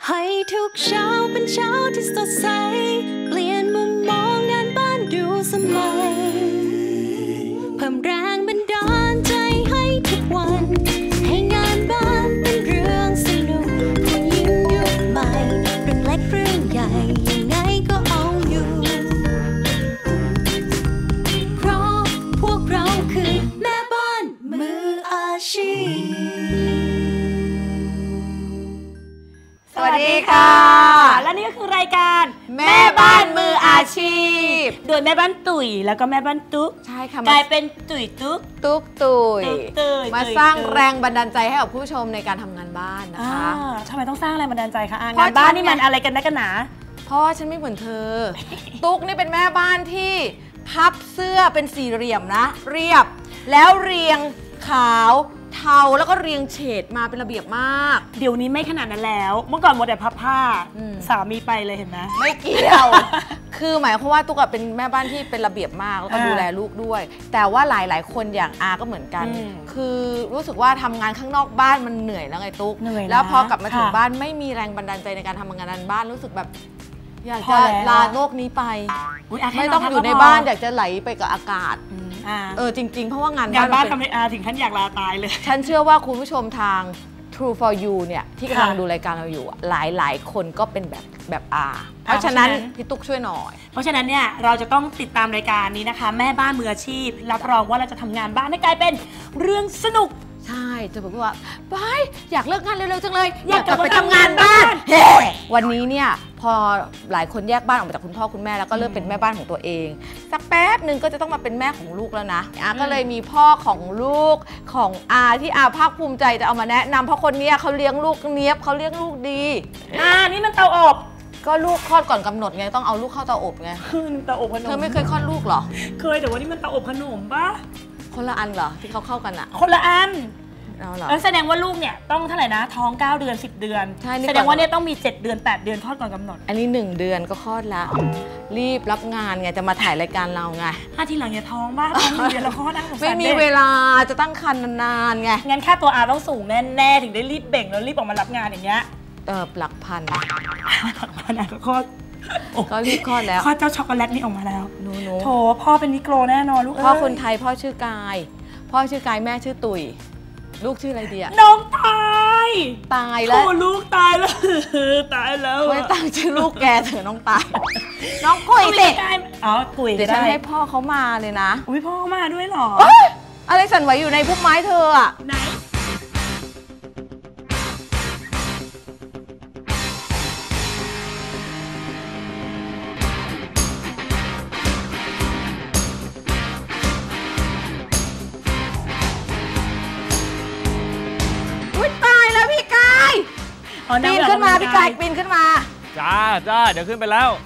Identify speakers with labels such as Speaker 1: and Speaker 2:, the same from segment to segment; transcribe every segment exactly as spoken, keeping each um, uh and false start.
Speaker 1: ให้ทุกเช้าเป็นเช้าที่สดใสเปลี่ยนมุมมองงานบ้านดูสมัยเพิ่มแรงบันดาลใจให้ทุกวันให้งานบ้านเป็นเรื่องสนุกผู้หญิงยุคใหม่เรื่องเล็กเรื่องใหญ่ยังไงก็เอาอยู่เพราะพวกเราคือแม่บ้านมืออาชีพ
Speaker 2: สวัสดีค่ะและนี่ก็คือรายการแม่บ้านมืออาชีพโดยแม่บ้านตุ๋ยแล้วก็แม่บ้านตุ๊กใช่ค่ะกลายเป็นตุ๋ยตุ๊กตุ๊กตุ๋ยมาสร้างแรงบันดาลใจให้กับผู้ชมในการทำงานบ้านนะคะทำไมต้องสร้างแรงบันดาลใจคะงานบ้านนี่มันอะไรกันนักกันหนาเพราะว่าฉันไม่เหมือนเธอตุ๊กนี่เป็นแม่บ้านที่พับเสื้อเป็นสี่เหลี่ยมนะเรียบแล้วเรียงขาวเทาแล้วก็เรียงเฉดมาเป็นระเบียบมากเดี๋ยวนี้ไม่ขนาดนั้นแล้วเมื่อก่อนหมดแต่พับผ้าสามีไปเลยเห็นไหมไม่เกี่ยวคือหมายความว่าตุ๊กเป็นแม่บ้านที่เป็นระเบียบมากแล้วก็ดูแลลูกด้วยแต่ว่าหลายๆคนอย่างอาก็เหมือนกันคือรู้สึกว่าทำงานข้างนอกบ้านมันเหนื่อยแล้วไงตุ๊กแล้วพอกลับมาถึงบ้านไม่มีแรงบันดาลใจในการทำงานบ้านรู้สึกแบบอยากจะลาโลกนี้ไปไม่ต้องอยู่ในบ้านอยากจะไหลไปกับอากาศเออจริงๆเพราะว่างานบ้านทำให้อาถึงขั้นอยากลาตายเลยฉันเชื่อว่าคุณผู้ชมทาง True for You เนี่ยที่กำลังดูรายการเราอยู่หลายๆคนก็เป็นแบบแบบอาเพราะฉะนั้นพี่ตุ๊กช่วยหน่อยเพราะฉะนั้นเนี่ยเราจะต้องติดตามรายการนี้นะคะแม่บ้านมืออาชีพรับรองว่าเราจะทำงานบ้านให้กลายเป็นเรื่องสนุกใช่จะบอกว่าไปอยากเลิกงานเร็วๆจังเลยอยากกลับไปทำงานบ้านเฮ้วันนี้เนี่ยพอหลายคนแยกบ้านออกมาจากคุณพ่อคุณแม่แล้วก็เริ่มเป็นแม่บ้านของตัวเองสักแป๊บหนึ่งก็จะต้องมาเป็นแม่ของลูกแล้วนะอาก็เลยมีพ่อของลูกของอาที่อาภาคภูมิใจจะเอามาแนะนำเพราะคนนี้เขาเลี้ยงลูกเนี้ยบเขาเลี้ยงลูกดีอ่านี่มันเตาอบก็ลูกคลอดก่อนกำหนดไงต้องเอาลูกเข้าเตาอบไงเตาอบขนมเธอไม่เคยคลอดลูกเหรอเคยแต่ว่านี่มันเตาอบขนมปะคนละอันเหรอที่เขาเข้ากันอะคนละอันแล้วแสดงว่าลูกเนี่ยต้องเท่าไหร่นะท้องเก้าเดือนสิบเดือนแสดงว่าเนี่ยต้องมีเจ็ดเดือนแปดเดือนคลอดก่อนกำหนดอันนี้หนึ่งเดือนก็คลอดละรีบรับงานไงจะมาถ่ายรายการเราไงถ้าทีหลังอย่าท้องบ้างท้องหนึ่งเดือนแล้วคลอดได้ไม่มีเวลาจะตั้งครรภ์นานๆไงงั้นค่าตัวอาต้องสูงแน่ๆถึงได้รีบเบ่งแล้วรีบออกมารับงานอย่างเงี้ยเออหลักพันหลักพันอะก็คลอดก็รีบคลอดแล้วคลอดเจ้าช็อกโกแลตนี่ออกมาแล้วหนูโถพ่อเป็นนิโกรแน่นอนลูกพ่อคนไทยพ่อชื่อกายพ่อชื่อกายแม่ชื่อตุ๋ยลูกชื่ออะไรดีอะน้องตายตายแล้วโอ้ลูกตายแล้วตายแล้วไม่ตั้งชื่อลูกแกเถอะน้องตายน้องกุยสิอ๋อกุยเดี๋ยวฉันให้พ่อเขามาเลยนะอุ้ยพ่อมาด้วยหรออะไรสั่นไหวอยู่ในพุ่มไม้เธออะไหนปีนขึ้นมาพี่กายปีนขึ้นมาจ้าจ้าเดี๋ยวขึ้นไปแล้ว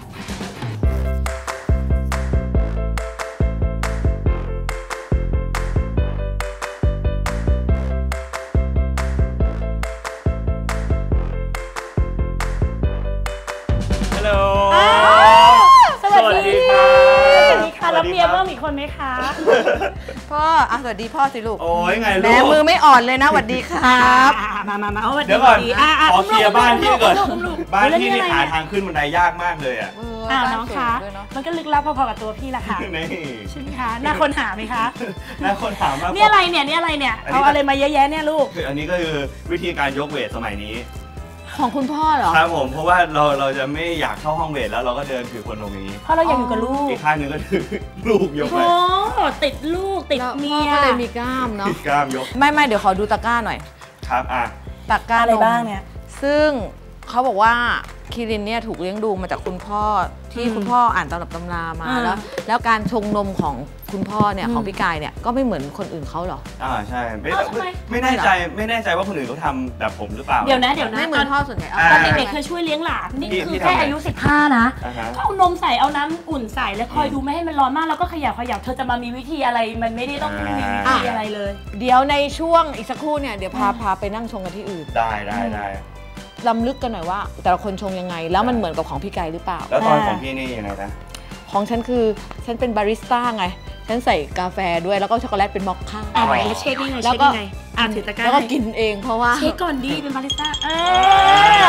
Speaker 2: ฮัลโหลสวัสดีค่ะสวัสดีค่ะแล้วเมียเพิ่มอีกคนไหมคะพ่ออ่ะสวัสดีพ่อสิลูกโอ้ยไงลูกแม่มือไม่อ่อนเลยนะสวัสดีครับมามามาเดี๋ยวก่อนขอเคลียร์บ้านที่ก่อนบ้านที่นี่หาทางขึ้นบันไดยากมากเลยอ่ะอ้าวน้องคะมันก็ลึกลับพอๆกับตัวพี่แหละค่ะใช่ไหมคะน่าค้นหาไหมคะน่าค้นหามากนี่อะไรเนี่ยนี่อะไรเนี่ยเอาอะไรมาเยอะแยะเนี่ยลูกคืออันนี้ก็คือวิธีการยกเวทสมัยนี้ของคุณพ่อเหรอครับผมเพราะว่าเราเราจะไม่อยากเข้าห้องเวทแล้วเราก็เดินถือคนตรงนี้เพราะเราอยากอยู่กับลูกอีกข้างนึงก็ถือลูกยกไปโอ้ติดลูกติดเมียก็เลยมีกล้ามเนาะติดกล้ามยกไม่ไม่เดี๋ยวขอดูตะกร้าหน่อยครับอ่ะตะกร้าอะไรบ้างเนี่ยซึ่งเขาบอกว่าคิรินเนี่ยถูกเลี้ยงดูมาจากคุณพ่อที่คุณพ่ออ่านตำรับตำรามาแล้วแล้วการชงนมของคุณพ่อเนี่ยของพี่กายเนี่ยก็ไม่เหมือนคนอื่นเขาหรออ่าใช่ไม่ไม่แน่ใจไม่แน่ใจว่าคนอื่นเขาทำแบบผมหรือเปล่าเดี๋ยวนะเดี๋ยวนะไม่เหมือนพ่อส่วนใหญ่ตอนเด็กๆเคยช่วยเลี้ยงหลานนี่คือแค่อายุสิบห้านะก็เอานมใส่เอาน้ำอุ่นใส่แล้วคอยดูไม่ให้มันร้อนมากแล้วก็ขยับขยับเธอจะมามีวิธีอะไรมันไม่ได้ต้องมีวิธีอะไรเลยเดี๋ยวในช่วงอีกสักครู่เนี่ยเดี๋ยวพาพาไปนั่งชงกันที่อื่นได้ได้ได้ลำลึกกันหน่อยว่าแต่ละคนชงยังไงแล้วมันเหมือนกับของพี่ไก่หรือเปล่าแล้วตอนของพี่นี่ยังไงนะของฉันคือฉันเป็นบาริสต้าไงฉันใส่กาแฟด้วยแล้วก็ช็อกโกแลตเป็นมอคค่าอ่าแล้วเช็คยังไงแล้วก็อ่านถือตะกร้าแล้วก็กินเองเพราะว่าเช็คก่อนดีเป็นบาริสต้าเออเคยเจอปะ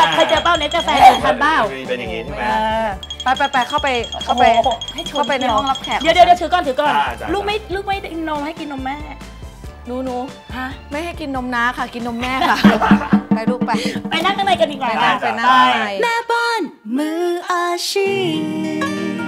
Speaker 2: าเน็ตกาแฟทันเปล่า
Speaker 3: เป็นอย่างนี้ใช่ไหม
Speaker 4: ไปไปไปเข้าไปเข้าไปเข้าไปในห้องรับแขก
Speaker 2: เดี๋ยวเดี๋ยวถือก่อนถือก่อนลูกไม่ลูกไม่นมให้กินนมแม่
Speaker 4: หนูหนู
Speaker 2: ฮะ
Speaker 4: ไม่ให้กินนมน้าค่ะกินนมแม่ค่ะไปลูกไป
Speaker 2: ไปนั่งข้างในกันดีกว่า
Speaker 4: ไปนั่งใน
Speaker 1: แม่บ้านมืออาชีพ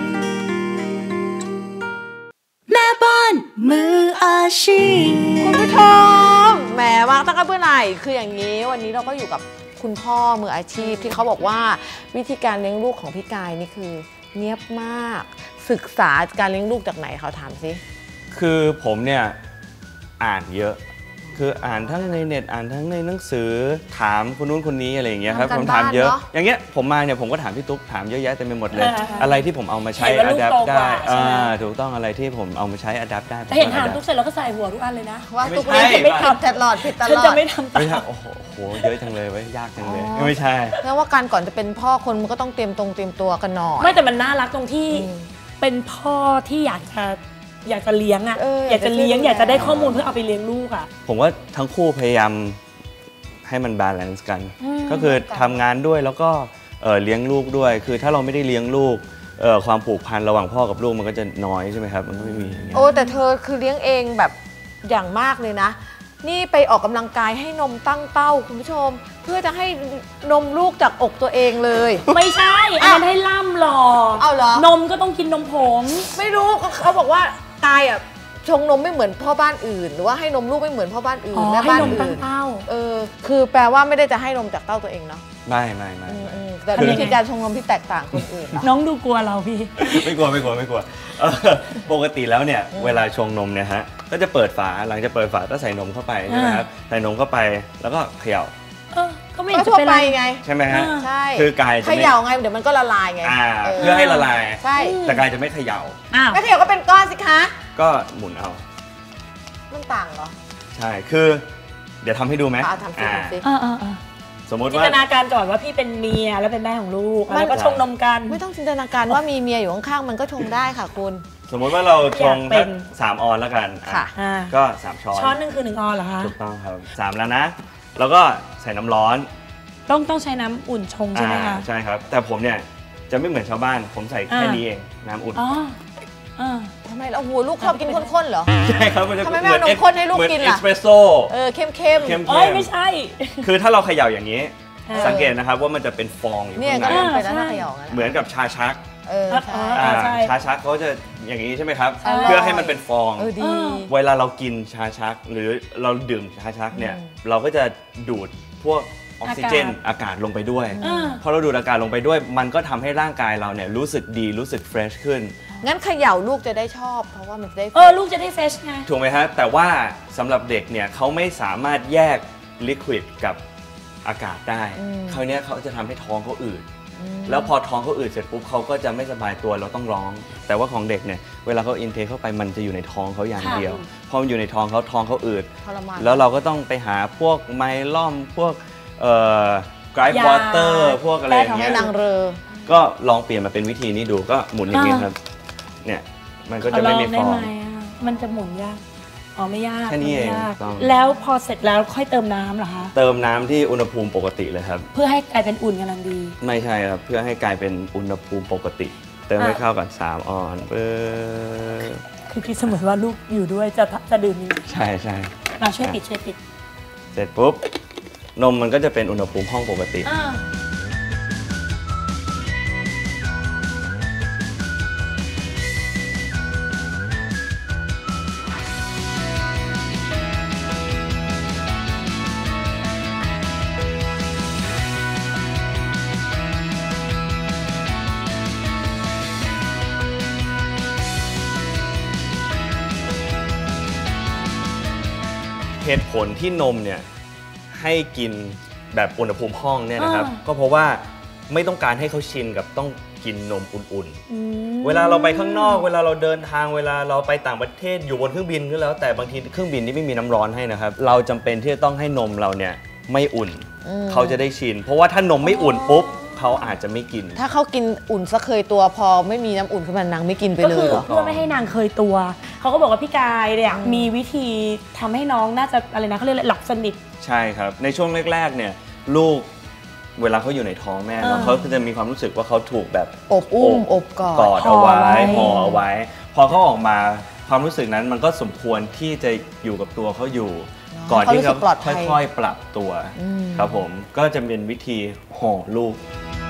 Speaker 1: แม่บ้านมืออาชีพ
Speaker 4: คุณผู้ชมแหมวางตั้งแต่เมื่อไหร่คืออย่างนี้วันนี้เราก็อยู่กับคุณพ่อมืออาชีพที่เขาบอกว่าวิธีการเลี้ยงลูกของพี่กายนี่คือเนียบมากศึกษาการเลี้ยงลูกจากไหนเขาถามสิ
Speaker 3: คือผมเนี่ยอ่านเยอะคืออ่านทั้งในเน็ตอ่านทั้งในหนังสือถามคนนู้นคนนี้อะไรอย่างเงี้ยครับผมถามเยอะอย่างเงี้ยผมมาเนี่ยผมก็ถามพี่ตุ๊กถามเยอะแยะเต็มไปหมดเลยอะไรที่ผมเอามาใช้อัดแอปได้ถูกต้องอะไรที่ผมเอามาใช้อัดแอปได้
Speaker 2: เห็นถามตุ๊กเสร็จแล้วก็ใส่หัวทุกอันเลยนะ
Speaker 4: ว่าตุ๊กไม่ทำตลอดผิดตลอดฉัน
Speaker 2: จะไม่ทำต
Speaker 3: ลอดโอ้โหเยอะจังเลยไว้ยากจังเลยไม่ใช่
Speaker 4: แล้วว่าการก่อนจะเป็นพ่อคนมันก็ต้องเตรียมตรงเตรียมตัวกันหน่อย
Speaker 2: ไม่แต่มันน่ารักตรงที่เป็นพ่อที่อยากจะอยากจะเลี้ยงอ่ะอยากจะเลี้ยงอยากจะได้ข้อมูลเพื่อเอาไปเลี้ยงลูกอ่ะ
Speaker 3: ผมว่าทั้งคู่พยายามให้มันบาลานซ์กันก็คือทำงานด้วยแล้วก็เลี้ยงลูกด้วยคือถ้าเราไม่ได้เลี้ยงลูกความผูกพันระหว่างพ่อกับลูกมันก็จะน้อยใช่ไหมครับมันก็ไม่มี
Speaker 4: โอ้แต่เธอคือเลี้ยงเองแบบอย่างมากเลยนะนี่ไปออกกำลังกายให้นมตั้งเต้าคุณผู้ชมเพื่อจะให้นมลูกจากอกตัวเองเลย
Speaker 2: ไม่ใช่อันนั้นให้ล่ำหรอ
Speaker 4: เอาเหรอน
Speaker 2: มก็ต้องกินนมผง
Speaker 4: ไม่รู้เขาบอกว่ากายอ่ะชงนมไม่เหมือนพ่อบ้านอื่นหรือว่าให้นมลูกไม่เหมือนพ่อบ้านอื่นแม่บ้านอื่นเออคือแปลว่าไม่ได้จะให้นมจากเต้าตัวเองเนาะ
Speaker 3: ไม่ไม่ไม่
Speaker 4: แต่วิธีการชงนมที่แตกต่างคนอื่น
Speaker 2: น้องดูกลัวเราพี่
Speaker 3: ไม่กลัวไม่กลัวไม่กลัวปกติแล้วเนี่ยเวลาชงนมเนี่ยฮะก็จะเปิดฝาหลังจะเปิดฝาก็ใส่นมเข้าไปใช่ไหมครับใส่นมเข้าไปแล้วก็เขย่า
Speaker 4: ก็ไม่ทั่วไปไง
Speaker 3: ใช่ไหมฮะ
Speaker 4: ใช่
Speaker 3: คือกายจะ
Speaker 4: เขย่าไงเดี๋ยวมันก็ละลายไง
Speaker 3: เพื่อให้ละลาย
Speaker 4: ใช่
Speaker 3: แต่กายจะไม่เขย่า
Speaker 4: ไม่เขย่าก็เป็นก้อนสิคะ
Speaker 3: ก็หมุนเอา
Speaker 4: มันต่างเหรอ
Speaker 3: ใช่คือเดี๋ยวทำให้ดูไหม
Speaker 4: ทำสิทำสิ
Speaker 3: สมมติว่า
Speaker 2: จินตนาการก่อนว่าพี่เป็นเมียแล้วเป็นแม่ของลูกแล้วก็ชงนมกัน
Speaker 4: ไม่ต้องจินตนาการว่ามีเมียอยู่ข้างๆมันก็ชงได้ค่ะคุณ
Speaker 3: สมมติว่าเราชงเป็นสามออนแล้วกัน
Speaker 4: ค่ะ
Speaker 3: ก็สามช้อน
Speaker 2: ช้อนนึงคือหนึ่งออนเหรอคะ
Speaker 3: ถูกต้องครับสามแล้วนะแล้วก็ใส่น้ำร้อน
Speaker 2: ต้องต้องใช้น้ำอุ่นชงใช่ไหมคะ
Speaker 3: ใช่ครับแต่ผมเนี่ยจะไม่เหมือนชาวบ้านผมใส่แค่นี้เองน้ำอุ่น
Speaker 4: อ๋อทำไมเราหัวลูกชอบกินข้นๆเหรอ
Speaker 3: ใช่ครับ
Speaker 4: ทำไมไม่เอานมข้นให้ลูกกินล่ะ
Speaker 3: เอสเปรสโซ่
Speaker 4: เออเข้มเข้ม
Speaker 2: เอ้ยไม่ใช่
Speaker 3: คือถ้าเราเขย่าอย่างนี้สังเกตนะครับว่ามันจะเป็นฟองอยู่
Speaker 4: ข้างใน
Speaker 3: เหมือนกับชาชักชาชักเขาจะอย่างนี้ใช่ไหมครับเพื่อให้มันเป็นฟองเวลาเรากินชาชักหรือเราดื่มชาชักเนี่ยเราก็จะดูดพวกออกซิเจนอากาศลงไปด้วยพอเราดูดอากาศลงไปด้วยมันก็ทำให้ร่างกายเราเนี่ยรู้สึกดีรู้สึกเฟรชขึ้น
Speaker 4: งั้นเขย่าลูกจะได้ชอบเพราะว่ามันได้
Speaker 2: เออลูกจะได้เฟรชไง
Speaker 3: ถูกไหมฮะแต่ว่าสำหรับเด็กเนี่ยเขาไม่สามารถแยกลิควิดกับอากาศได้คราวนี้เขาจะทำให้ท้องเขาอืดแล้วพอท้องเขาอืดเสร็จปุ๊บเขาก็จะไม่สบายตัวเราต้องร้องแต่ว่าของเด็กเนี่ยเวลาเขาอินเทคเข้าไปมันจะอยู่ในท้องเขาอย่างเดียวพอมันอยู่ในท้องเขาท้องเขาอืดแล้วเราก็ต้องไปหาพวกไมล่อมพวกเอ่อไกรฟ์วอเตอร์พวกอะไรอย่างเงี้ยก็ลองเปลี่ยนมาเป็นวิธีนี้ดูก็หมุนอย่างนี้ครับเนี่ยมันก็จะไม่มีฟอง
Speaker 2: มันจะหมุนยากอ๋อไม่ยาก
Speaker 3: แค่นี้เอง
Speaker 2: แล้วพอเสร็จแล้วค่อยเติมน้ำเหรอคะ
Speaker 3: เติมน้ำที่อุณหภูมิปกติเลยครับ
Speaker 2: เพื่อให้กลายเป็นอุ่นกำลังดี
Speaker 3: ไม่ใช่ครับเพื่อให้กลายเป็นอุณหภูมิปกติเติมให้เข้ากันสามออนเพื่อ
Speaker 2: คือคิดเสมอว่าลูกอยู่ด้วยจะจะดื่ม
Speaker 3: ใช่ใช่
Speaker 2: มาช่วยปิดช่วยปิด
Speaker 3: เสร็จปุ๊บนมมันก็จะเป็นอุณหภูมิห้องปกติเหตุผลที่นมเนี่ยให้กินแบบอุณหภูมิห้องเนี่ยนะครับก็เพราะว่าไม่ต้องการให้เขาชินกับต้องกินนมอุ่นๆเวลาเราไปข้างนอกเวลาเราเดินทางเวลาเราไปต่างประเทศอยู่บนเครื่องบินก็แล้วแต่บางทีเครื่องบินนี่ไม่มีน้ำร้อนให้นะครับเราจำเป็นที่จะต้องให้นมเราเนี่ยไม่อุ่นเขาจะได้ชินเพราะว่าถ้านมไม่อุ่นปุ๊บเขาอาจจะไม่กิน
Speaker 4: ถ้าเขากินอุ่นซะเคยตัวพอไม่มีน้ำอุ่นขึ้นมานางไม่กินไปเลย
Speaker 2: เหรอเพื่อไม่ให้นางเคยตัวเขาก็บอกว่าพี่กายเนี่ยมีวิธีทำให้น้องน่าจะอะไรนะเขาเรียกหลับสนิท
Speaker 3: ใช่ครับในช่วงแรกๆเนี่ยลูกเวลาเขาอยู่ในท้องแม่แล้วเขาจะมีความรู้สึกว่าเขาถูกแบบ
Speaker 4: อบอุ้มอบกอด
Speaker 3: กอดเอาไว้ห่อเอาไว้พอเขาออกมาความรู้สึกนั้นมันก็สมควรที่จะอยู่กับตัวเขาอยู่ก่อนที่เขาค่อยๆปรับตัวครับผมก็จะเป็นวิธีห่อลูก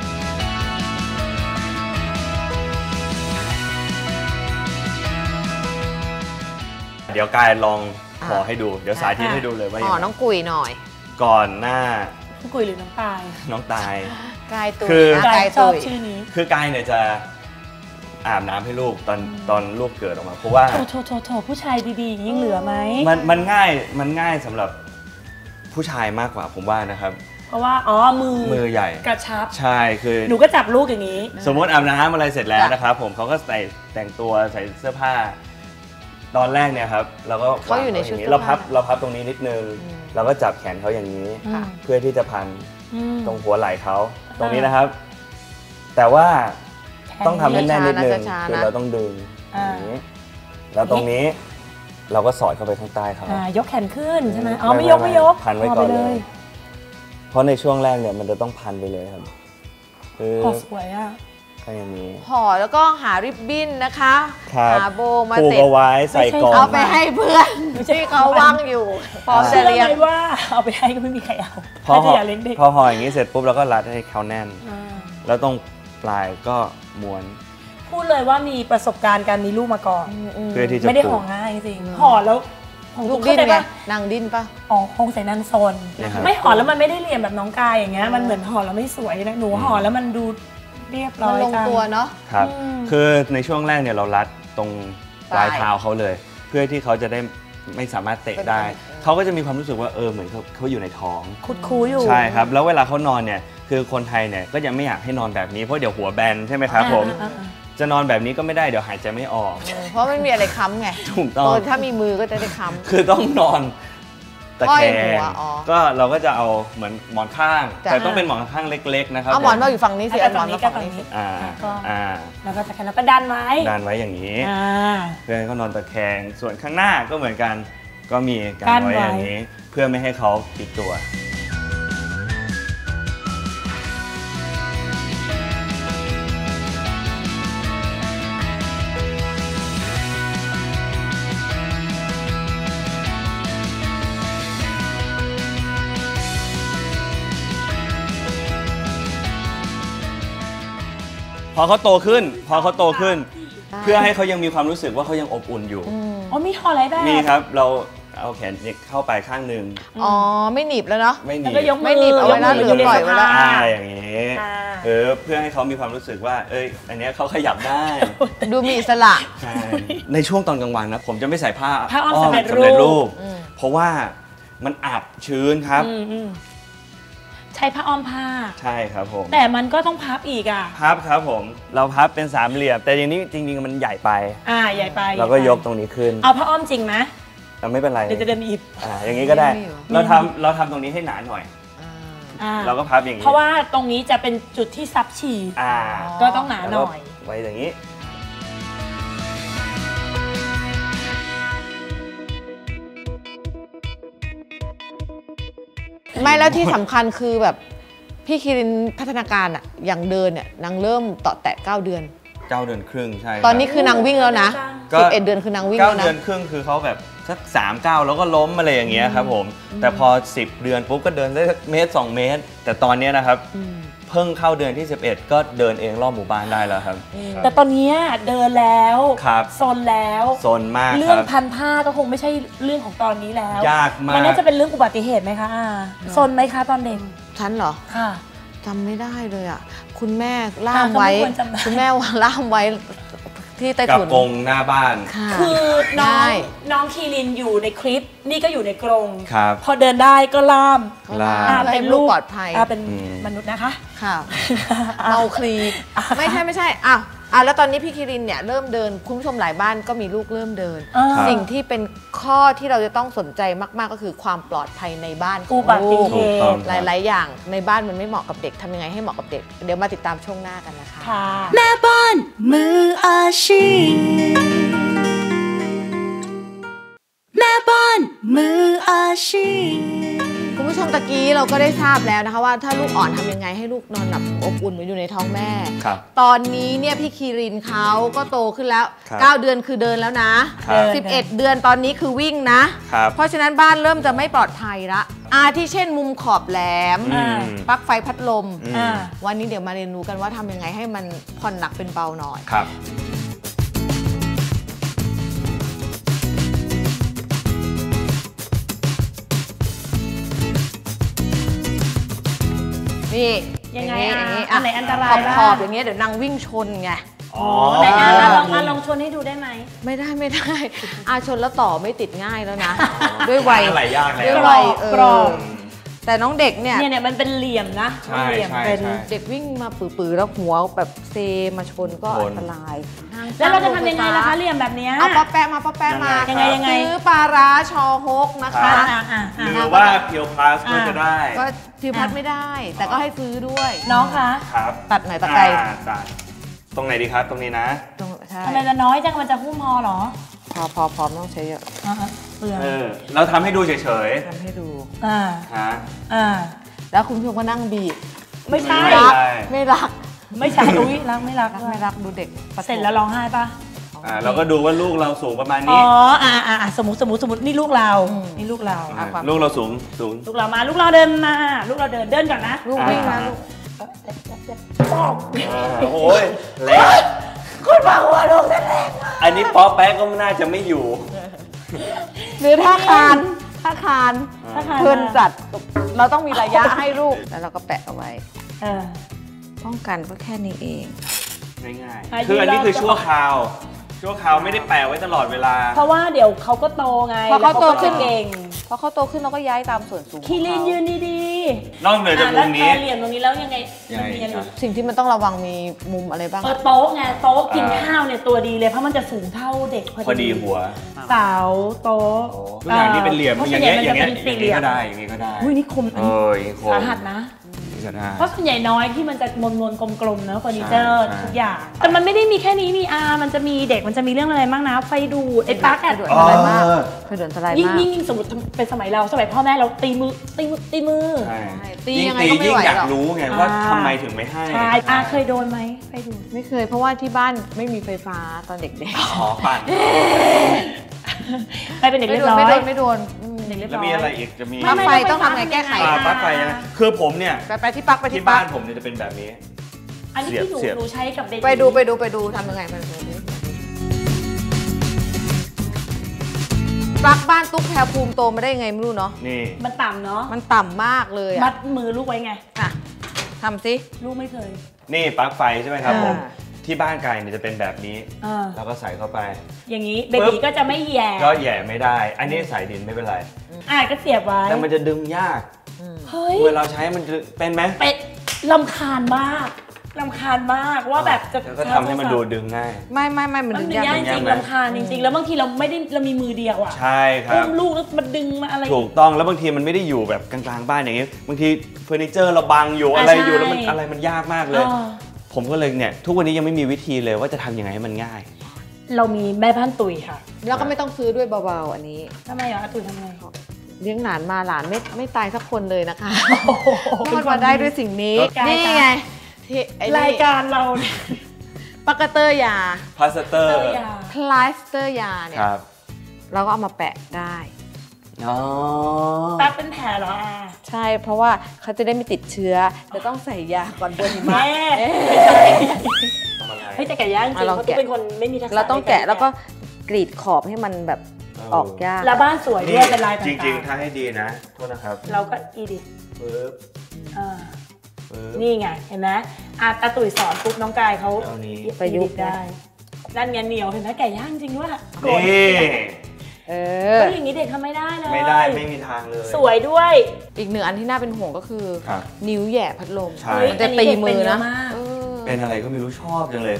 Speaker 3: เดี๋ยวกายลองห่อให้ดูเดี๋ยวสาธิตให้ดูเลยว่า
Speaker 4: ห่อน้องกุยหน่อย
Speaker 3: ก่อนหน้า
Speaker 2: น้องกุยหรือน้องตาย
Speaker 3: น้องตาย
Speaker 4: กายตุย
Speaker 3: คื
Speaker 2: อกายชอบชื่อนี้
Speaker 3: คือกายเนี่ยจะอาบน้ำให้ลูกตอนตอนลูกเกิดออกมาเพราะว่า
Speaker 2: โถโถโถผู้ชายดีๆยิ่งเหลือไหม
Speaker 3: มันมันง่ายมันง่ายสำหรับผู้ชายมากกว่าผมว่านะครับ
Speaker 2: เพราะว่าอ๋อมือ
Speaker 3: มือใหญ่
Speaker 2: กระชับ
Speaker 3: ใช่คือ
Speaker 2: หนูก็จับลูกอย่างนี้
Speaker 3: สมมติอาบน้ำอะไรเสร็จแล้วนะครับผมเขาก็ใส่แต่งตัวใส่เสื้อผ้าตอนแรกเนี่ยครับเราก็
Speaker 4: เขาอยู่ในชุด
Speaker 3: เราพับเราพับตรงนี้นิดนึงเราก็จับแขนเขาอย่างนี้เพื่อที่จะพันตรงหัวไหล่เขาตรงนี้นะครับแต่ว่าต้องทำให้แน่นนิดนึงคือเราต้องดึงอย่างนี้แล้วตรงนี้เราก็สอดเข้าไปข้างใต้เขา
Speaker 2: ยกแขนขึ้นใช่ไหมอ๋อไม่ยกไม่ยก
Speaker 3: พันไว้ก่อนเลยเพราะในช่วงแรกเนี่ยมันจะต้องพันไปเลยครับ
Speaker 2: ห่อสวยอ่ะ
Speaker 3: ก็อย่างนี้
Speaker 4: ห่อแล้วก็หาริบบิ้นนะคะหาโบมา
Speaker 3: ติดเอาไว้ใส่กล่อง
Speaker 4: เอาไปให้เพื่อนที่เขาว่างอยู่
Speaker 2: พร้อมจะเลี้ยงว่าเอาไปให้ก็ไม่มีใครเอา
Speaker 3: พอห่อพอห่ออย่างนี้เสร็จปุ๊บเราก็รัดให้เขาแน่นแล้วตรงปลายก็ม้วน
Speaker 2: พูดเลยว่ามีประสบการณ์การมีลูกมาก่อน
Speaker 3: เพื่อที่จะ
Speaker 2: ไม่ได้ห่อง่ายจริงห่อแล้ว
Speaker 4: ของลูกดิ้นไงนางดิ้นปะ
Speaker 2: อ๋อคงใส่นางโซนไม่ห่อแล้วมันไม่ได้เรียนแบบน้องกายอย่างเงี้ยมันเหมือนห่อแล้วไม่สวยนะหนูห่อแล้วมันดูเรียบร้อย
Speaker 4: ลงตัวเนาะ
Speaker 3: ครับคือในช่วงแรกเนี่ยเรารัดตรงปลายเท้าเขาเลยเพื่อที่เขาจะได้ไม่สามารถเตะได้เขาก็จะมีความรู้สึกว่าเออเหมือนเขาเขาอยู่ในท้อง
Speaker 2: คุดคูอยู่
Speaker 3: ใช่ครับแล้วเวลาเขานอนเนี่ยคือคนไทยเนี่ยก็ยังไม่อยากให้นอนแบบนี้เพราะเดี๋ยวหัวแบนใช่ไหมครับผมจะนอนแบบนี้ก็ไม่ได้เดี๋ยวหายใจไม่ออก
Speaker 4: เพราะไม่มีอะไรค้ำไง
Speaker 3: ถูกต้อง
Speaker 4: ถ้ามีมือก็จะได้ค้ำ
Speaker 3: คือต้องนอนตะแคงก็เราก็จะเอาเหมือนหมอนข้างแต่ต้องเป็นหมอนข้างเล็กๆนะครับ
Speaker 4: เอาหมอนมาอยู่ฝั่งนี้สิเอาหมอนมาฝั่งนี้
Speaker 3: อ่า
Speaker 2: อ่าแล้วก็ตะแคงแล้วก็ดันไว้
Speaker 3: ดันไว้อย่างนี้เพื่อให้เขานอนตะแคงส่วนข้างหน้าก็เหมือนกันก็มีการไว้อย่างนี้เพื่อไม่ให้เขาติดตัวพอเขาโตขึ้นพอเขาโตขึ้นเพื่อให้เขายังมีความรู้สึกว่าเขายังอบอุ่นอยู่
Speaker 2: อ๋อมีห่ออะไรได้
Speaker 3: มีครับเราเอาแขนเข้าไปข้างหนึ่ง
Speaker 4: อ๋อไม่หนีบแล้วเนาะ
Speaker 3: ไม่หนีบ
Speaker 4: ไม่หนีบเอาไว้แล้วหรือปล่อยไว้แล้ว
Speaker 3: อ่าอย่างนี้เออเพื่อให้เขามีความรู้สึกว่าเอ้ยอันนี้เขาขยับได้
Speaker 4: ดูมีอิสระ
Speaker 3: ใช่ในช่วงตอนกลางวันนะผมจะไม่ใส่ผ้า
Speaker 2: ผ้าอ้อมสำเร็จรูป
Speaker 3: เพราะว่ามันอับชื้นครับ
Speaker 2: ใช้ผ้าอ้อมผ้า
Speaker 3: ใช่ครับผม
Speaker 2: แต่มันก็ต้องพับอีกอ่ะ
Speaker 3: พับครับผมเราพับเป็นสามเหลี่ยมแต่อย่างนี้จริงๆมันใหญ่ไป
Speaker 2: อ่าใหญ่ไป
Speaker 3: เราก็ยกตรงนี้ขึ้น
Speaker 2: เอาผ้าอ้อมจริงไหม
Speaker 3: เราไม่เป็นไร
Speaker 2: เดี๋ยวจะเดินอีบ
Speaker 3: อ่าอย่างนี้ก็ได้เราทำเราทำตรงนี้ให้หนาหน่อยเราก็พับอย่างนี้
Speaker 2: เพราะว่าตรงนี้จะเป็นจุดที่ซับฉี่ก็ต้องหนาหน่อย
Speaker 3: ไว้อย่างนี้
Speaker 4: ไม่แล้วที่สำคัญคือแบบพี่คิรินพัฒนาการอะอย่างเดินเนี่ยนางเริ่มต่อแตะเก้าเดือน
Speaker 3: เก้าเดือนครึ่งใช่
Speaker 4: ตอนนี้คือนางวิ่งแล้วนะสิบเอ็ดเดือนคือนางวิ่งแล้วนะ
Speaker 3: เก้าเดือนครึ่งคือเขาแบบสักสามเก้าแล้วก็ล้มอะไรอย่างเงี้ยครับผมแต่พอสิบเดือนปุ๊บก็เดินได้เมตรสองเมตรแต่ตอนนี้นะครับเพิ่งเข้าเดือนที่สิบเอ็ดก็เดินเองรอบหมู่บ้านได้แล้วครับ
Speaker 2: แต่ตอนนี้เดินแล้วโซนแล้ว
Speaker 3: โซนมาก
Speaker 2: เรื่องพันผ้าก็คงไม่ใช่เรื่องของตอนนี้แล้ว
Speaker 3: ยากมาก
Speaker 2: มันน่าจะเป็นเรื่องอุบัติเหตุไหมคะโซนไหมคะตอนเด็ก
Speaker 4: ฉันเหรอ
Speaker 2: ค่ะ
Speaker 4: จำไม่ได้เลยอ่ะคุณแม่ล่ามไว้คุณแม่ล่ามไว้ที่ใต้ถุน
Speaker 3: กับกรงหน้าบ้าน
Speaker 2: คือน้องน้องคีรินอยู่ในคลิปนี่ก็อยู่ในกรงพอเดินได้ก็ล่าม
Speaker 4: เป็นลูกปลอดภัย
Speaker 2: เป็นมนุษย์นะคะ
Speaker 4: ค่ะเมาคลีไม่ใช่ไม่ใช่อ้าวอ่ะแล้วตอนนี้พี่คิรินเนี่ยเริ่มเดินคุณผู้ชมหลายบ้านก็มีลูกเริ่มเดินสิ่งที่เป็นข้อที่เราจะต้องสนใจมากๆก็คือความปลอดภัยในบ้านของลูกหลายๆอย่างในบ้านมันไม่เหมาะกับเด็กทำยังไงให้เหมาะกับเด็กเดี๋ยวมาติดตามช่วงหน้ากันนะคะ
Speaker 1: แม่บ้านมืออาชีพแม่บ้านมืออาชีพ
Speaker 4: คุณผู้ผู้ชมตะกี้เราก็ได้ทราบแล้วนะคะว่าถ้าลูกอ่อนทำยังไงให้ลูกนอนหลับอบอุ่นเหมือนอยู่ในท้องแม่ตอนนี้เนี่ยพี่คีรินเขาก็โตขึ้นแล้วเก้าเดือนคือเดินแล้วนะสิบเอ็ดเดือนตอนนี้คือวิ่งนะเพราะฉะนั้นบ้านเริ่มจะไม่ปลอดภัยละอาที่เช่นมุมขอบแหลมปลั๊กไฟพัดลมวันนี้เดี๋ยวมาเรียนรู้กันว่าทำยังไงให้มันผ่อนหนักเป็นเบาหน่อย
Speaker 3: ครับ
Speaker 4: นี่
Speaker 2: ยังไงอ่ะอันไหนอันตรายบ้าง
Speaker 4: ขอบอย่างเงี้ยเดี๋ยวนางวิ่งชนไง
Speaker 2: อ๋อไหนอ่ะลองมาลองชนให้ดูได้ไหม
Speaker 4: ไม่ได้ไม่ได้อาชนแล้วต่อไม่ติดง่ายแล้วนะด้วยวัย
Speaker 3: ด้วย
Speaker 4: วัยเออแต่น้องเด็กเนี่ย
Speaker 2: เนี่ยเนี่ยมันเป็นเหลี่ยมนะเหลี่ยม
Speaker 4: เป็นเด็กวิ่งมาปื้อๆแล้วหัวแบบเซมาชนก็อันตราย
Speaker 2: แล้วเราจะทำยังไงล่ะคะเหลี่ยมแบบนี้
Speaker 4: เอาป๊อปแปะมาป๊อปแปะมา
Speaker 2: ยังไงยังไง
Speaker 4: ซื้อปลาร้าชอฮกนะคะ
Speaker 3: หรือว่าเพียวพลัสก็จะได้
Speaker 4: ก็เพียวพลัสไม่ได้แต่ก็ให้ซื้อด้วย
Speaker 2: น้องคะ
Speaker 3: ครับ
Speaker 4: ตัดไหนตัดไกล
Speaker 3: ตรงไหนดีครับตรงนี้นะ
Speaker 2: ทำไมจะน้อยจังมันจะหุ้มพอหรอ
Speaker 4: พอพอพอต้องใช้เยอะ
Speaker 3: เออเราทำให้ดูเฉย
Speaker 4: ๆทำให้ดู
Speaker 2: อ่า
Speaker 3: ฮะ
Speaker 2: อ่า
Speaker 4: แล้วคุณผู้ชมก็นั่งบีบ
Speaker 2: ไม่ใช่
Speaker 4: ไม่รัก
Speaker 2: ไม่ใช่อุ้ยรักไม่รัก
Speaker 4: ไม่รักดูเด็ก
Speaker 2: เสร็จแล้วร้องไห้ปะ
Speaker 3: อ่าเราก็ดูว่าลูกเราสูงประมาณนี้
Speaker 2: อ๋ออ่าอ่าสมมติสมมติสมมตินี่ลูกเรานี่ลูกเรา
Speaker 3: ลูกเราสูงสูง
Speaker 2: ลูกเรามาลูกเราเดินมาลูกเราเดินเดินก่อนนะ
Speaker 4: ลูกวิ่งนะลูก
Speaker 3: โอ้ยแรง
Speaker 2: คุณมาหัวลูกแรง
Speaker 3: อันนี้ป๊อปแป๊กก็น่าจะไม่อยู่
Speaker 4: หรือท่าคานท่าคานเพื่อนจัดเราต้องมีระยะให้ลูกแล้วเราก็แปะเอาไว้ป้องกันก็แค่นี้เอง
Speaker 3: ง่ายๆคืออันนี้คือชั่วคราวชั่วคราวไม่ได้แปะไว้ตลอดเวลา
Speaker 2: เพราะว่าเดี๋ยวเขาก็โตไง
Speaker 4: พอเขาโตขึ้นเก่งพอเขาโตขึ้นเราก็ย้ายตามส่วนสูง
Speaker 2: คีรินยืนดี
Speaker 3: ๆนอกเหนือจากมุมนี้
Speaker 2: เหลี่ยมตรงนี้แล้วยังไง
Speaker 4: สิ่งที่มันต้องระวังมีมุมอะไรบ้าง
Speaker 2: โต๊ะไงโต๊ะกินข้าวเนี่ยตัวดีเลยเพราะมันจะสูงเท่าเด็ก
Speaker 3: พอดีหัว
Speaker 2: เสาโต๊ะ
Speaker 3: ทุกอย่างนี้เป็นเหลี่ยมอย่างเงี้ยอย่างเงี้ยอย่างนี้ก็ได้อย่างนี้ก็ได้
Speaker 2: อุ้ยนี่คม
Speaker 3: เออ
Speaker 2: สาหัสนะเพราะส่วนใหญ่น้อยที่มันจะมนมนกลมๆนะเฟอร์นิเจอร์ทุกอย่างแต่มันไม่ได้มีแค่นี้มีอามันจะมีเด็กมันจะมีเรื่องอะไรบ้างนะไฟดูดไอ้ปลั๊กอะ
Speaker 4: อะไรมากไฟดูดอะไรมาก
Speaker 2: ยิ่งยิ่งสมมติเป็นสมัยเราสมัยพ่อแม่เราตีมือตีมือตีมือ
Speaker 4: ตียังไงก็ไม่ไหวหรอก
Speaker 3: ยิ่งอยากรู้ไงว่าทำไมถึงไม่ให้
Speaker 2: ใช่อาเคยโดนไหมไฟดูด
Speaker 4: ไม่เคยเพราะว่าที่บ้านไม่มีไฟฟ้าตอนเด็กๆ
Speaker 3: อ๋อปั่น
Speaker 2: ไปเป็นเด็กเรียบร้อย
Speaker 4: ไม่โดนไม่โดน
Speaker 3: แล้วมีอะไรอีกจะมี
Speaker 4: ปลั๊กไฟต้องทำไงแก้ไข
Speaker 3: ปลั๊กไฟนะคือผมเนี่ย
Speaker 4: ไปที่ปลั๊กไปที่
Speaker 3: บ้านผมเนี่ยจะเป็นแบบนี้
Speaker 2: อันนี้ที่หนูหนูใช้กับเด็ก
Speaker 4: ไปดูไปดูไปดูทำยังไงไปดูปลั๊กบ้านตุ๊กแพรภูมิโตมาได้ยังไงไม่รู้เนาะ
Speaker 3: นี่
Speaker 2: มันต่ำเนาะ
Speaker 4: มันต่ำมากเลย
Speaker 2: มัดมือลูกไว้ไง
Speaker 4: อ่ะทำสิ
Speaker 2: ลูกไม่เคย
Speaker 3: นี่ปลั๊กไฟใช่ไหมครับผมที่บ้านไก่เนี่ยจะเป็นแบบนี้แล้วก็ใส่เข้าไป
Speaker 2: อย่างนี้เบบีก็จะไม่แย่
Speaker 3: ก็แย่ไม่ได้อันนี้ใส่ดินไม่เป็นไร
Speaker 2: อ่าก็เสียบไว้
Speaker 3: แต่มันจะดึงยากเฮ้ยเวลาใช้มันจะเป็นไหม
Speaker 2: เป็นลำคาญมากลำคาญมากว่าแบบจะ
Speaker 3: ก็ทำให้มันดูดึงง่าย
Speaker 4: ไม่ไม่ไม่มันดึงยาก
Speaker 2: จริงลำคาญจริงๆแล้วบางทีเราไม่ได้เรามีมือเดียวอ่ะ
Speaker 3: ใช่ครับ
Speaker 2: อุ้มลูกแล้วมันดึงมาอะไร
Speaker 3: ถูกต้องแล้วบางทีมันไม่ได้อยู่แบบกลางๆบ้านอย่างนี้บางทีเฟอร์นิเจอร์เราบังอยู่อะไรอยู่แล้วมันอะไรมันยากมากเลยผมก็เลยเนี่ยทุกวันนี้ยังไม่มีวิธีเลยว่าจะทำยังไงให้มันง่าย
Speaker 2: เรามีแม่บ้านตุ๋ยค่ะ
Speaker 4: แล้วก็ไม่ต้องซื้อด้วยเบาๆอันนี้
Speaker 2: ทำไมอ่ะตุ๋ยทำไง
Speaker 4: เลี้ยงหลานมาหลานไม่ไม่ตายสักคนเลยนะคะรอดมาได้ด้วยสิ่งนี้นี่ไง
Speaker 2: รายการเรา
Speaker 4: ปากเตอร์ยา
Speaker 3: พลาสเตอร์
Speaker 4: พลาสเตอร์ยาเนี่ยเราก็เอามาแปะได้
Speaker 3: อ๋อ
Speaker 2: แปะเป็นแผลเหรออ่ะ
Speaker 4: ใช่เพราะว่าเขาจะได้ไม่ติดเชื้อจะต้องใส่ยาก่อนเดินหิมะ
Speaker 2: เฮ้ยแต่แกะยากจริงเพราะตุ๊กเป็นคนไม่มีทักษะ
Speaker 4: เราต้องแกะแล้วก็กรีดขอบให้มันแบบออกยาก
Speaker 2: แล้วบ้านสวยด้วยเป็นลายต่างๆ
Speaker 3: จริงๆถ้าให้ดีนะโทษนะครับ
Speaker 2: เราก็อีดิท
Speaker 3: ปึ๊บ
Speaker 2: นี่ไงเห็นไหมอาตาตุ๋ยสอนปุ๊บน้องกายเขา
Speaker 4: ประยุกต์ได้
Speaker 2: นั่นไงเหนียวเห็นไหมแกะย่างจริงด้วย
Speaker 3: นี่
Speaker 2: เออก็อย่างนี้เด็กทำไม่ได้เลย
Speaker 3: ไม่ได้ไม่มีทางเลย
Speaker 2: สวยด้วย
Speaker 4: อีกหนึ่งอันที่น่าเป็นห่วงก็คือนิ้วแย่พัดลม
Speaker 3: มัน
Speaker 4: จะตีมือนะ
Speaker 3: เป็นอะไรก็ไม่รู้ชอบจังเลย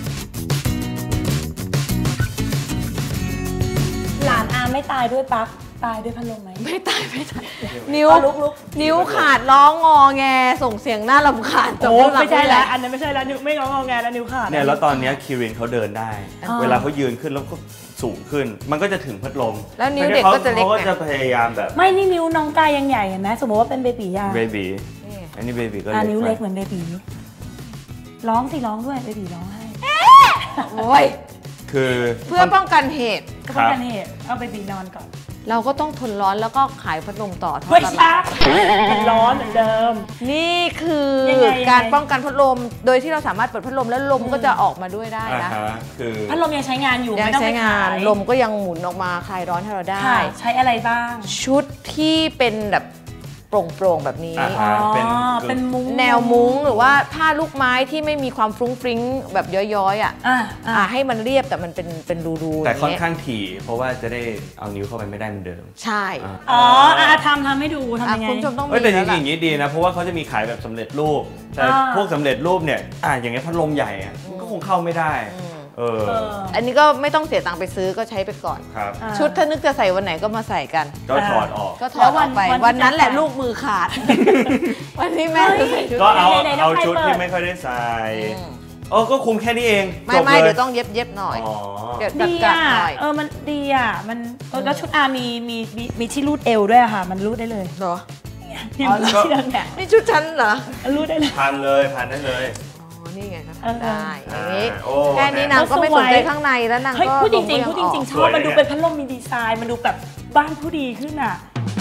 Speaker 2: หลานอาไม่ตายด้วยปั๊กตายด้วยพัดลมไหม
Speaker 4: ไม่ตายไม่ตายนิ้วนิ้วขาดร้องงอแงส่งเสียงน่ารำคาญ
Speaker 2: โอ้ไม่ใช่แล้วอันนั้นไม่ใช่แล้วนิ้วไม่ร้องงอแงแล้วนิ้วขาด
Speaker 3: เนี่ยแล้วตอนนี้คิรินเขาเดินได้เวลาเขายืนขึ้นแล้วก็สูงขึ้นมันก็จะถึงพัดลม
Speaker 4: แล้วนิ้วเด็กก็จะเล็ก
Speaker 3: เขาก็จะพยายามแบบ
Speaker 2: ไม่นี่นิ้วน้องกายยังใหญ่เห็นไหมสมมติว่าเป็นเบบียา
Speaker 3: เบบีอันนี้เบบีก็
Speaker 2: นิ้วเล็กเหมือนเบบีร้องสิร้องด้วยเบบีร้องให้
Speaker 4: โอ้ย
Speaker 3: คือ
Speaker 4: เพื่อป้องกันเหตุ
Speaker 2: ป้องกันเหตุเอาเบบีนอนก่อน
Speaker 4: เราก็ต้องทนร้อนแล้วก็ขายพัดลมต่อ
Speaker 2: เฮ้ยช้ามันร้อนเหมือนเดิม
Speaker 4: นี่คือการป้องกันพัดลมโดยที่เราสามารถเปิดพัดลมแล้วลมก็จะออกมาด้วยได้นะ
Speaker 3: คือ
Speaker 2: พัดลมยังใช้งานอยู่
Speaker 4: ยังใช้งานลมก็ยังหมุนออกมาคลายร้อนให้เราได้
Speaker 2: ใช้อะไรบ้าง
Speaker 4: ชุดที่เป็นแบบโปร่งๆแบบนี้
Speaker 2: เป็นมุ้ง
Speaker 4: แนวมุ้งหรือว่าผ้าลูกไม้ที่ไม่มีความฟรุ้งฟริ้งแบบย้อยๆอ่ะให้มันเรียบแต่มันเป็นเป็นรูๆ
Speaker 3: แต่ค่อนข้างถี่เพราะว่าจะได้เอานิ้วเข้าไปไม่ได้เหมือนเดิม
Speaker 4: ใช่
Speaker 2: อ๋อทำทำให้ดูทำยังไง
Speaker 4: คุณผู้ชมต้องมี
Speaker 3: แต่จริงๆอย่างนี้ดีนะเพราะว่าเขาจะมีขายแบบสำเร็จรูปแต่พวกสำเร็จรูปเนี่ยอ่าอย่างเงี้ยพัดลมใหญ่อ่ะมันก็คงเข้าไม่ได้เออ
Speaker 4: อันนี้ก็ไม่ต้องเสียตังค์ไปซื้อก็ใช้ไปก่อนชุดถ้านึกจะใส่วันไหนก็มาใส่กัน
Speaker 3: ก็ถอดออก
Speaker 4: ก็ถอดออกไปวันนั้นแหละลูกมือขาดวันนี้แม่จะใส่ชุด
Speaker 3: ก็เอาเอาชุดที่ไม่ค่อยได้ใส่เออก็คุมแค่นี้เอง
Speaker 4: ไม่ไม่เดี๋ยวต้องเย็บเย็บหน่อย
Speaker 2: เดี๋ยวดีอ่ะเออมันดีอ่ะมันแล้วชุดอามีมีมีที่รูดเอวด้วยค่ะมันรูดได้เลย
Speaker 4: เหรอ
Speaker 2: อ๋อ
Speaker 4: นี่ชุดฉันเหรอ
Speaker 2: รูดได้เลย
Speaker 3: พันเลยพันได้เลย
Speaker 4: นี่ไงครับได้อย่างนี้แค่นี้นางก็ไม่สนใจข้างในแล้วนางก็
Speaker 2: พูดจริงๆพูดจริงๆชอบมันดูเป็นพัดลมมีดีไซน์มันดูแบบบ้านผู้ดีขึ้นอ่ะ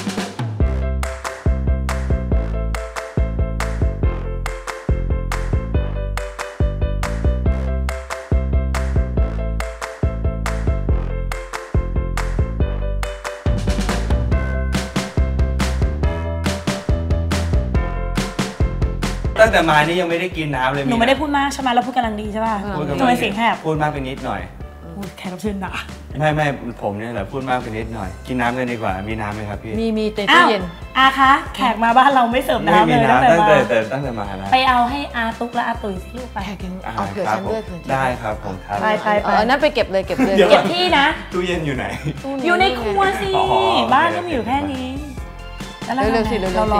Speaker 3: ตั้งแต่มานี่ยังไม่ได้กินน้ำเลย
Speaker 2: หนูไม่ได้พูดมากใช่ไหมเราพูดกำลังดีใช่ป่ะทำไมเสียงแหบ
Speaker 3: พูดมากไปนิดหน่อย
Speaker 2: แขกรับเชิญด่า
Speaker 3: ไม่ไม่ผมเนี่ยแหละพูดมากไปนิดหน่อยกินน้ำกันดีกว่ามีน้ำไหมครับพี่
Speaker 4: มีมีเต็มตู้เย็น
Speaker 2: อาคะแขกมาบ้านเราไม่เสิร์ฟน้ำเลย
Speaker 3: ตั้งแต่แต่ตั้งแต่มาแล้ว
Speaker 2: ไปเอาให้อาตุ๊กและอาตุ๋ยที่ลูกไป
Speaker 4: เอาเผื่อฉันด้วย
Speaker 3: ได้ครับผมครับ
Speaker 2: ไปไปไป
Speaker 4: นั่นไปเก็บเลยเก็บเลย
Speaker 2: เก็บที่นะ
Speaker 3: ตู้เย็นอยู่ไหน
Speaker 2: อยู่ในครัวสิบ้านก็มีอยู่แค่นี้
Speaker 4: เร็วๆสิเร็วๆสิ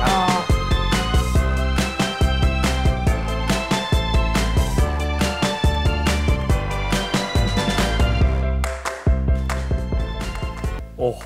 Speaker 3: โอ้โห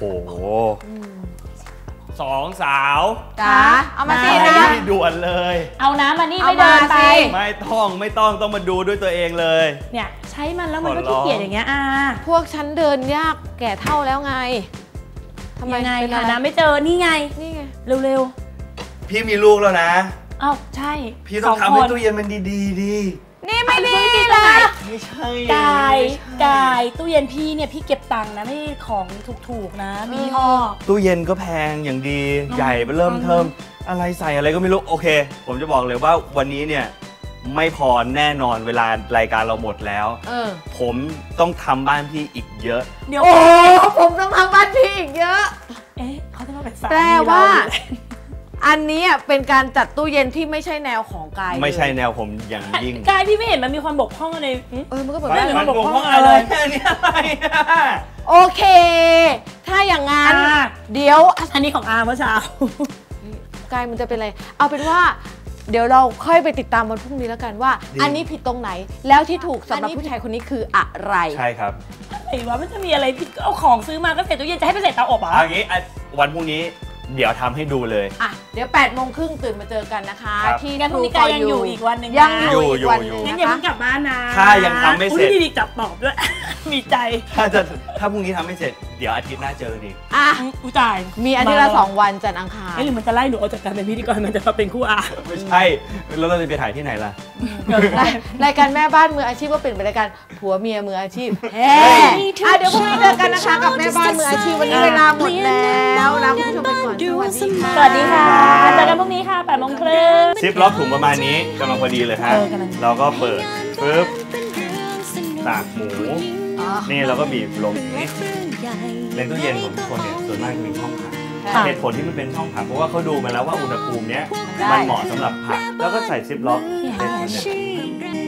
Speaker 3: สองสาว
Speaker 4: จ๋าเอามาสิ
Speaker 3: นะด่วนเลย
Speaker 2: เอาน้ำมานี่ไม่เดินไป
Speaker 3: ไม่ต้องไม่ต้องต้องมาดูด้วยตัวเองเลย
Speaker 2: เนี่ยใช้มันแล้วมันก็ขี้เกียจอย่างเงี้ยอ่ะ
Speaker 4: พวกฉันเดินยากแก่เท่าแล้วไง
Speaker 2: ทำไมไงหาน้ำไม่เจอนี่ไง
Speaker 4: นี่ไง
Speaker 2: เร็ว
Speaker 3: ๆพี่มีลูกแล้วนะ
Speaker 2: อ้าวใช่
Speaker 3: พี่ต้องทำให้ตู้เย็นมันดีๆดี
Speaker 4: นี่ไม่ดีเลย
Speaker 3: ไม่ใช่
Speaker 2: กายกายตู้เย็นพี่เนี่ยพี่เก็บตังค์นะไม่ของถูกๆนะมีห่อ
Speaker 3: ตู้เย็นก็แพงอย่างดีใหญ่ไปเริ่มเทิมอะไรใส่อะไรก็ไม่รู้โอเคผมจะบอกเลยว่าวันนี้เนี่ยไม่พอแน่นอนเวลารายการเราหมดแล้วผมต้องทำบ้านพี่อีกเยอะ
Speaker 4: เดี๋ยวโอ้ผมต้องทำบ้านพี่อีกเยอะ
Speaker 2: เอ๊ะเขาจะมาเป็นสามี
Speaker 4: แต่ว่าอันนี้เป็นการจัดตู้เย็นที่ไม่ใช่แนวของกาย
Speaker 3: ไม่ใช่แนวผมอย่างยิ่ง
Speaker 2: กายพี่ไม่เห็นมันมีความบกพร่องอะไร
Speaker 4: เออมันก็บกพ
Speaker 3: ร่
Speaker 4: อง
Speaker 3: มันบกพร่องอะไรแค่นี้อะไร
Speaker 4: โอเคถ้าอย่างงั้นเดี๋ยว
Speaker 2: อันนี้ของอาเมื่อเช้
Speaker 4: ากายมันจะเป็นอะไรเอาเป็นว่าเดี๋ยวเราค่อยไปติดตามวันพรุ่งนี้แล้วกันว่าอันนี้ผิดตรงไหนแล้วที่ถูกสำหรับผู้ชายคนนี้คืออะไร
Speaker 3: ใช่ครับ
Speaker 2: ไอ้ว่ามันจะมีอะไรผิดก็เอาของซื้อมาก็เสร็จตู้เย็นจะให้ไปเสร็จเตาอบอ่ะ
Speaker 3: อย่างนี้วันพรุ่งนี้เดี๋ยวทำให้ดูเลย
Speaker 4: อ่ะเดี๋ยวแปดโมงครึ่งตื่นมาเจอกันนะคะที่
Speaker 2: งั้นพรุ่งนี้กายยังอยู่อีกวันหนึ่ง
Speaker 4: ยังอยู่อีกวันนึง
Speaker 2: งั้นอย่าเพิ่งกลับบ้านนะ
Speaker 3: ถ้ายังทำไม่เสร็จ
Speaker 2: มีจับตอบด้วยมีใจ
Speaker 3: ถ้าจะถ้าพรุ่งนี้ทำไม่เสร็จเดี๋ยวอาทิตย์หน้าเจออีก
Speaker 4: อ่ะ
Speaker 2: อุ้ยตาย
Speaker 4: มีอาทิตย์ละสองวันจันทร์อังคาร
Speaker 2: หรือมันจะไล่หนูออกจากการเป็นพิธีกรมันจะมาเป็นคู่อา
Speaker 3: ไม่ใช่แล้วเราจะไปถ่ายที่ไหนล่ะ
Speaker 4: รายการแม่บ้านมืออาชีพก็เป็นรายการผัวเมียมืออาชีพเฮ้อ่ะเดี๋ยวพรุ่งนี้เจอกันนะคะกับแม่บ้านมืออาชีพวันนี้เวลาหมดแล้วลาคุณผู้ชมไปก่อน
Speaker 2: สวัสดีค่ะเจอกันพรุ่งนี้ค่ะแปดโมงครึ่ง
Speaker 3: ซิปล็อกถุงประมาณนี้กำลังพอดีเลยฮะเราก็เปิดปึ๊บตากหมูนี่เราก็บีบลงนี่ในตู้เย็นของทุกคนเนี่ยส่วนมากจะมีช่องผักเหตุผลที่มันเป็นช่องผักเพราะว่าเขาดูมาแล้วว่าอุณหภูมิเนี้ยมันเหมาะสำหรับผักแล้วก็ใส่ซิปล็อกเป็นแบบนี้